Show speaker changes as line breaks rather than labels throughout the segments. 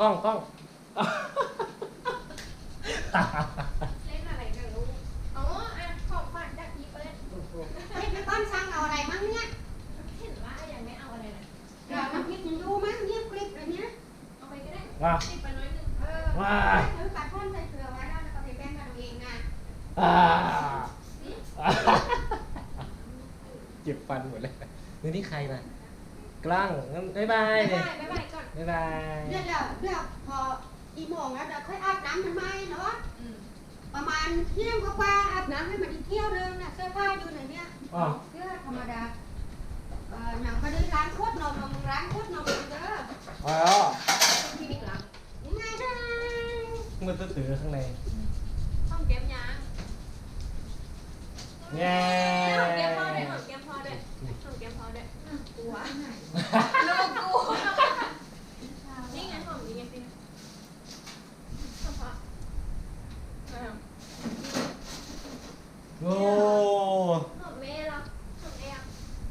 กล้องกล้อง
เล่นอะไรกันลูกอ๋ออ่ะของขวัญจากพี่เปิ้ล
เฮ้ยพี่ก้อนสั่งเอาอะไรมั้งเนี่ย
เห็นว่ายังไม่เอาอะไรเลย
เดี๋ยวน้ำพริกยังดูมั้งเงียบกริบเลยเนี่ย
เอาไปก็ได้
ว้า
ติดไปน้อยนึง
ว้า
ถือปัดพ่นใส่เกลือไว้แล้วก็ไปแป้งกันเองนะ
เจ็บฟันหมดเลยนี่ใครน่ะกล้างงั้นบ๊ายบาย
บ๊าย
เลย
บายบ๊ายบายก่อน
บ๊ายบาย
เดี๋ยวพอกี่โมงแล้วเดี๋ยวค่อยอาบน้ำมันไหมเนาะ
อืม
ประมาณเที่ยงกว่าๆอาบน้ำให้มันอีกเที่ยวนึงน่ะเสื้อผ้าอยู่ไหนเนี่ย
อ๋อ
เสื้อธรรมดาหนังพอดีร้านโคตรนมร้านโคตรนมเด้อ
อ๋อ
พี่บิ๊กหลัง
ง่ายได้
มันจะถือข้างใน
ห้องแก้มยาง
แง่
ห้องแก้มพ่อด้วยห้องแก้มพ่อด้วยห้องแก้มพ่อด้วยกลัวลูกกูนี่ไงห้องนี้ไงพี่ห้องพ่ออ้าว
โอ้
ห้องแม่เหรอห้องแม่อะ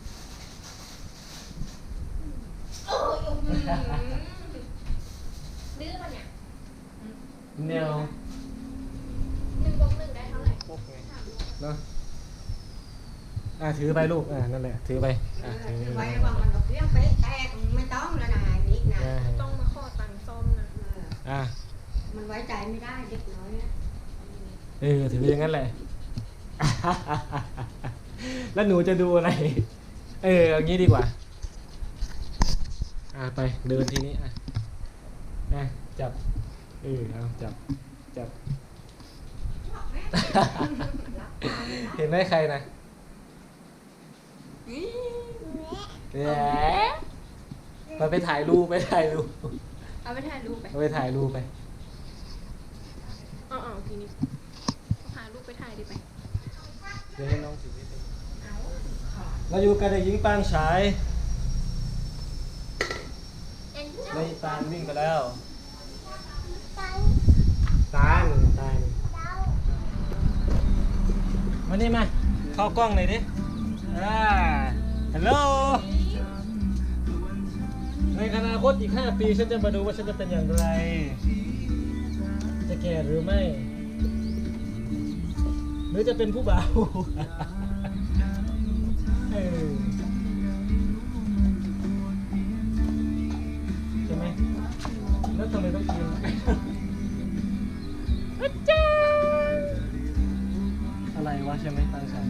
โอ้ยดื้อปะเนี่ย
แนว
1+1ได้เท่าไหร่
พวกไง
ถามลูก
เนาะถือไปลูกนั่นแหละถือไปถือ
ไว้ระวังมันเรื่องไปแตกไม่ต้องแล้วนะนิกนะ
ต้องมาขอตังค์ส้มนะ
มันไว้ใจไม่ได้เด็กน้อยนะ
ถืออย่างนั้นแหละ แล้วหนูจะดูอะไรเอางี้ดีกว่าไปเดินทีนี้จับเอาจับ เห็นไหมใครนะแหมไปถ่ายรูปไปถ่ายรูป
เอาไปถ่ายรูปไป
เอาไปถ่ายรูปไป
อ๋อทีนี้พาลูกไปถ่ายดิไป
เดี๋ยวให้น้องถือนิดนึงเราอยู่กับเด็กหญิงปางฉาย
เอ็น
ในตาลวิ่งไปแล้วตาลมานี่มาเข้ากล้องหน่อยดิฮัลโหลในอนาคตอีก5 ปีฉันจะมาดูว่าฉันจะเป็นอย่างไร จะแก่หรือไม่ หรือจะเป็นผู้บ่าว ใช่ไหมแล้วทำไมต้องกินอะไรวะใช่ไหมตั้งใจ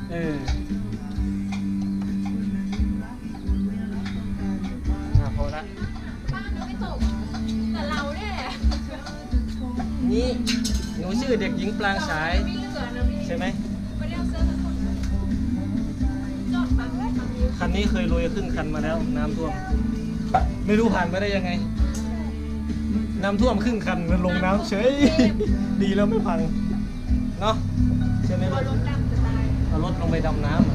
พอละ
บ้านยังไม่ตกแต่เราเนี่ย
นี่หนูชื่อเด็กหญิงปรางฉาย
ไม่เหลือนะพี่
ใช่ไหม
ไม่ได้เอาเสื้อทั้งคนจอดบังไว้บังอยู่
คันนี้เคยลุยครึ่งคันมาแล้วน้ำท่วม ไม่รู้ผ่านมาได้ยังไง น้ำท่วมครึ่งคันมันลงน้ำเฉย ดีแล้วไม่พังเนาะใช่ไหม
ตัวรถดำจะตาย
เอารถลงไปดำน้ำ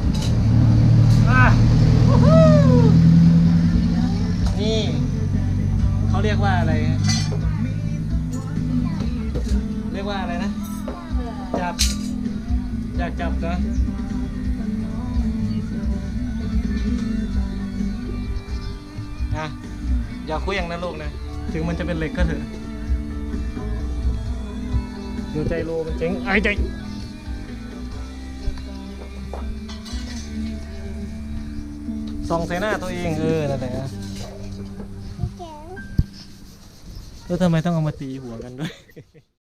นี่เขาเรียกว่าอะไร เรียกว่าอะไรนะ จับอยากจับนะอย่าคุยอย่างนั้นลูกนะ ถึงมันจะเป็นเหล็กก็เถอะเดี๋ยวใจโลมันเจ๊งไอ้ใจส่องใส่หน้าตัวเองนั่นแหละแล้วทำไมต้องเอามาตีหัวกันด้วย